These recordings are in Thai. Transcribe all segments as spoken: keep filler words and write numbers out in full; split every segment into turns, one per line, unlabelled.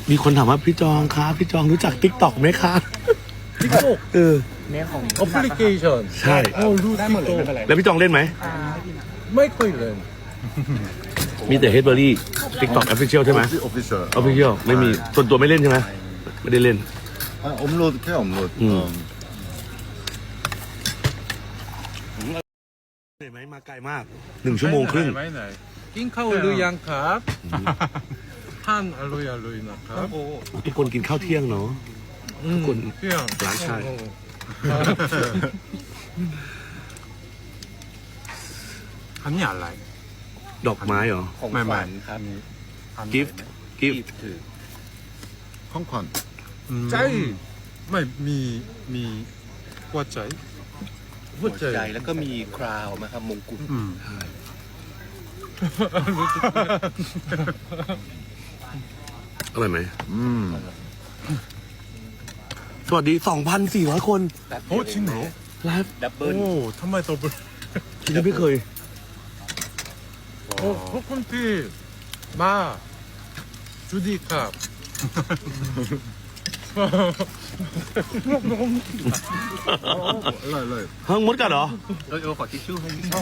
มีคนถามว่าพี่จองครับพี่จองรู้จัก ติ๊กต็อก ไหมคะ
ติ๊กต็อก
เออ
เนี่ยของ
แอปพลิเคชัน
ใช่
โอ้รู้
ได้หมดเลยไม่เป็นไร
แล้วพี่จองเล่นไหม
ไม่ค่อยเล่น
มีแต่เฮดเบอรี่ ติ๊กต็อก Official ใช่ไหม
official
Official ไม่มีส่วนตัวไม่เล่นใช่ไหมไม่ได้เล่น
아 업로드 캐 업로드
음.
어.
เหนื่อยไหมมาไกลมากหนึ่งชั่วโมงครึ่ง
ไม่ไหนกินข้าวหรือยังครับท่านอร่อยอร่อยนะครับ
ทุกคนกินข้าวเที่ยงเนาะ ทุกคน
เที่ยง
หลานชาย
อันนี้อะไร
ดอกไม้เหรอ
ของขวัญครับ
gift gift
ถือ
콩콘
ใจไม่มีมีหัวใจหั
หั
ว
ว
ใจ
ใจแล้วก็มีคราวนะครับมงกุฎ
อืม
อร่อยไหม
음
สวัสดี สองพันสี่ร้อย คน
แบบ
โอ้จริงเหรอ
ไลฟ์
ดับเบิล
โอ้ทำไมตัวเบล
ที่ไม่เคย
โอ้ขอบคุณที่มาจูดี้ครับ
라이 라이
เฮ้ยมดกัดเหรอ
เออเออขอทิชชู่ให้พี่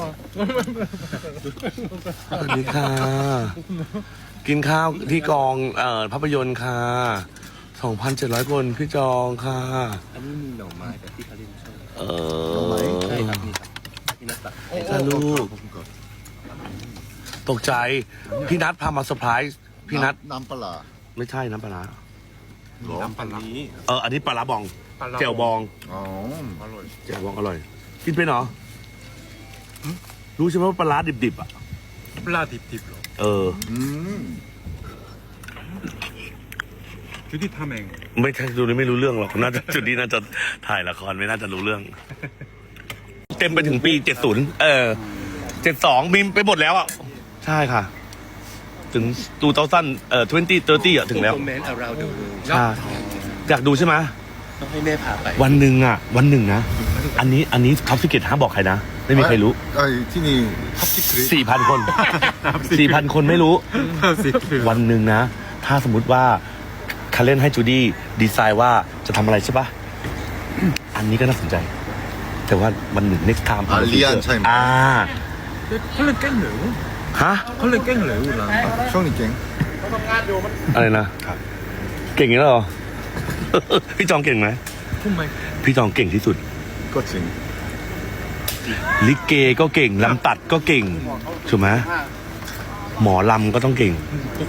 สวัสดีค่ะ กินข้าวที่กองเอ่อภาพยนตร์ค่ะ สองพันเจ็ดร้อย คนพี่จองค่ะ
อันนี้มีหน่อไม้แบบที่เขาเล่นชอบ
เออ
ใช่ครับนี่ครับพี่นัทตัก
ถ้าลูก
콩콘
ตกใจ พี่นัทพามาเซอร์ไพรส์พี่นัท
남빨라
ไม่ใช่น้ำปลาร้า
น้ำปันนี้
เอออันนี้ปลาร้าบองแจ่วบอง
어
อร่อย
แจ่วบองอร่อย กินเป็นเหรอรู้ใช่ไหมว่าปลาร้าดิบๆอ่ะ
ปลาดิบๆเหรอ
เออ
음
จูดี้ทำเอง
ไม่ใช่ดูนี่ไม่รู้เรื่องหรอกน่าจะจุดนี้น่าจะถ่ายละครไม่น่าจะรู้เรื่อง เต็มไปถึงปีเจ็ดสิบเออเจ็ดสองมีไปหมดแล้วอ่ะใช่ค่ะ ถึงตูเตาสั้นเอ่อทเวนตี้เตอร์ตี้อ่ะถึงแล้ว
คอมเมนต์ around the world
ใช่อยากดูใช่ไหม
ต้องให้แม่พาไป
วันหนึ่งอ่ะ วันหนึ่งนะ อันนี้อันนี้ท็อปซิกเก็ตห้ามบอกใครนะ ไม่มีใครรู้
아이 티니 탑시크릿
สี่พันคนสี่พันคนไม่รู้
สิคือ
วันหนึ่งนะ ถ้าสมมุติว่าคาเล่นให้จูดี้ดีไซน์ว่าจะทำอะไรใช่ปะอันนี้ก็น่าสนใจ แต่ว่าวันหนึ่ง next time
อ่า Lian ใช่ไหม
อ่า
เขาเล่นเก่งเหรอ
ฮะ
เขาเล่นเก่งเหรอล่ะ
형님 갱
อะไรนะ เก่งอย่างนี้เหรอ พี่จองเก่งไหม
ทำไม
พี่จองเก่งที่สุด
거친
ลิเกก็เก่ง ลำตัดก็เก่ง ถูกไหมหมอลำก็ต้องเก่ง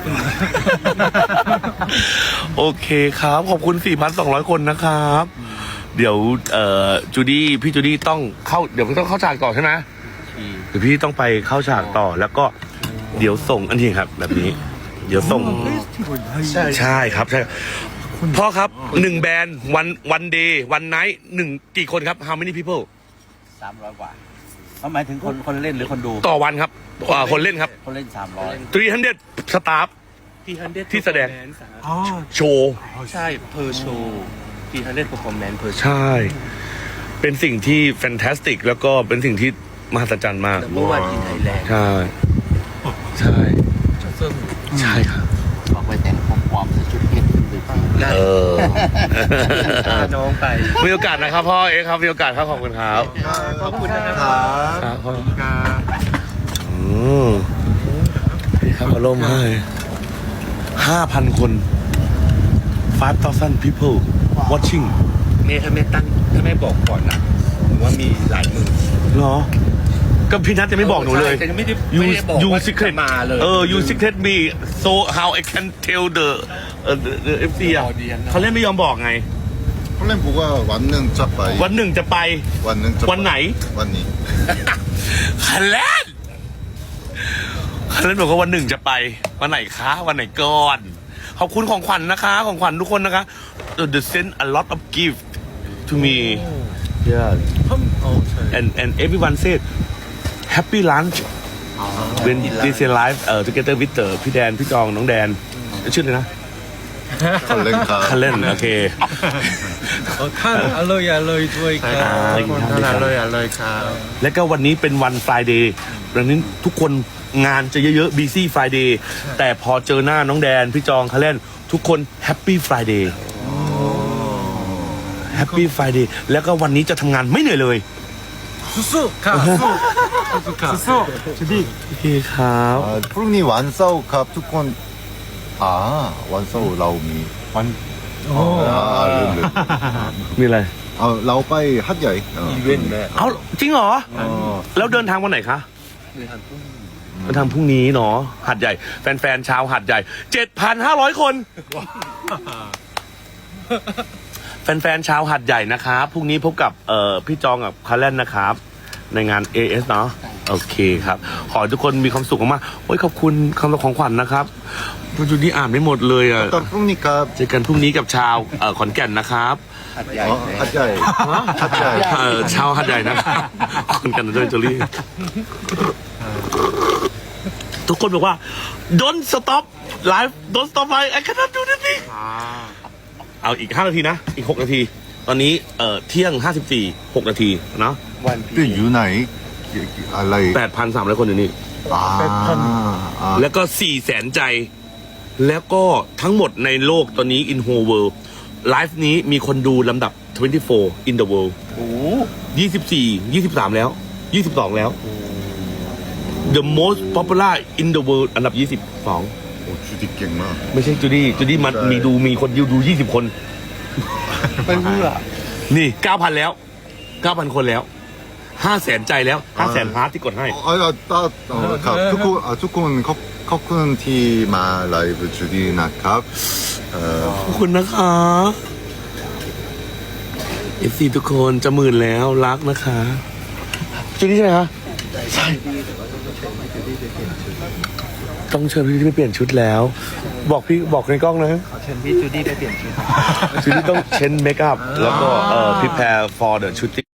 โอเคครับ ขอบคุณ สี่พันสองร้อย คนนะครับ เดี๋ยวเอ่อจูดี้พี่จูดี้ต้องเข้า เดี๋ยวต้องเข้าฉากต่อใช่ไหมเดี๋ยวพี่ต้องไปเข้าฉากต่อ แล้วก็เดี๋ยวส่งอันนี้ครับ แบบนี้ เดี๋ยวส่ง
ใช่
ใช่ครับใช่พ่อครับหนึ่งแบรนด์วันวันเดย์วันไนท์หนึ่งกี่คนครับ how many people
สามร้อยกว่าเขาหมายถึงคนคนเล่นหรือคนดู
ต่อวันครับอ่าคนเล่นครับ
คนเล่นสามร้อย
สามร้อยสตาฟ
ที่ฮันเด
ที่แสดง
อ๋อ
โชว์
ใช่เพอร์โชว์ที่ฮันเดเพอร์ฟอร์แมนซ์เพอร์โชว์
ใช่ เป็นสิ่งที่แฟนตาสติก แล้วก็เป็นสิ่งที่มหัศจรรย์มาก
เมื่อวานที่ไทยแลนด์
ใช่ ใช่
สนุก
ใช่ครับ
บอกไปแต่งของปลอมใส่ชุดเพชรขึ้นไปที่
เออ
พาน้องไป
มีโอกาสนะครับพ่อเอ็กซ์ครับ มีโอกาสครับขอบคุณครับ
ขอบคุณนะครับ
ครับพ่อ
การ
อืมพี่ครับอารมณ์ให้ห้าพันคน five thousand people watching
เมย์ถ้าแม่ตั้งถ้าแม่บอกก่อนนะผมว่ามีหลายหมื่น
เหรอ ก็พี่นัทจะไม่บอกหนูเลย
แต่ไม่ได้
you
ไม่ได้บอก
you
ว่า
secret
จะมาเลย
เออ you secret me so how I can tell the เอ่อ the the เอฟ ซี อ่ะ
audience
เขาเล่นไม่ยอมบอกไง
콜렘 보가 완능 짜빠이
วันหนึ่งจะไป
완능 짜빠이
วันไหน
완니
คันเล่นคันเล่นบอกว่าวันหนึ่งจะไป วันไหนคะ วันไหนก่อน ขอบคุณของขวัญนะคะ ของขวัญทุกคนนะคะ the send a lot of gift to me yeah
ทำโอ้ใช่
and and everyone said happy lunch when they say live เอ่อ together with the พี่แดน พี่จอง น้องแดน ชื่อเลยนะ
컬렌카
คันเล่น โอเค
เออท่านอร่อยอร่อยด้วยครับ
ใช่ครับ
ท่านอร่อยอร่อยครับ
แล้วก็วันนี้เป็นวัน Friday ดังนั้นทุกคนงานจะเยอะๆ busy Friday แต่พอเจอหน้าน้องแดน พี่จองคาเล่นทุกคน Happy Friday Happy Friday แล้วก็วันนี้จะทำงานไม่เหนื่อยเลย
สู้ๆครับสู้สู้ครับสู้จูดี้
โอเคครับ
아, 푸릉님 완싸우 갑 투콘. 아, 완싸우 라오미. 완. 아, 르르.
มีอะไร
아, 라오빠이 핫야이. 어.
อีเวนต์แม่
เอาจริงเหรอ
어.
แล้วเดินทางวันไหนคะ
เลยหันพุ่ง
เดินทางพรุ่งนี้เนาะหัดใหญ่ แฟนๆชาวหัดใหญ่ เจ็ดพันห้าร้อย คน แฟนๆชาวหัดใหญ่นะครับพรุ่งนี้พบกับเอ่อพี่จองกับคาร์เลนนะครับ ในงาน เอ เอส เนาะโอเคครับ ขอให้ทุกคนมีความสุขมากๆโอ้ยขอบคุณคำของขวัญนะครับคุณจูดี้อ่านไม่หมดเลยอ่ะ
일단 푸릉님 갑.
เจอกันพรุ่งนี้กับชาวเอ่อขอนแก่นนะครับ
หัดใหญ่
어, 핫야이. 핫야이.
เอ่อชาวหัดใหญ่นะครับขอนแก่นด้วยจูลี่ทุกคนบอกว่า don't stop live don't stop live I cannot do this thing เอาอีกห้านาทีนะ อีกหกนาที ตอนนี้เอ่อเที่ยงห้าสิบสี่ หกนาทีเนาะ
วันพี
또 유나이. 알라이.
แปดพันสามร้อยคนอยู่นี่
아. 아.
แล้วก็สี่แสนใจ แล้วก็ทั้งหมดในโลกตอนนี้ in whole world ไลฟ์นี้มีคนดูลำดับยี่สิบสี่ in the world
โอ้
ยี่สิบสี่ ยี่สิบสามแล้ว ยี่สิบสองแล้ว the most popular in the world อันดับยี่สิบสอง
오, 주디 깽마.
ไม่ใช่จูดี้จูดี้มัน
ใช่
มีดูมีคนดูดูยี่สิบคน
ไม่รู้ล่ะ
นี่เก้าพันแล้วเก้าพันคนแล้วห้าแสนใจแล้วห้าแสนฮาร์ทที่กดให้
어, 아, 따, 어, 갑. 투콘, 아, 투콘 커, 커큰 티마 라이브 주디나 갑. 어,
ขอบคุณนะคะเอฟซีทุกคนจะหมื่นแล้วรักนะคะจูดี้ใช่ไหมคะใช่ต้องเชิญพี่ไปเปลี่ยนชุดแล้ว บอกพี่บอกในกล้องนะ
ขอเชิญพี่จูดี้ไปเปลี่ยนชุด
จูดี้ต้องเช็นเมคอัพแล้วก็เอ่อ prepare for the shooting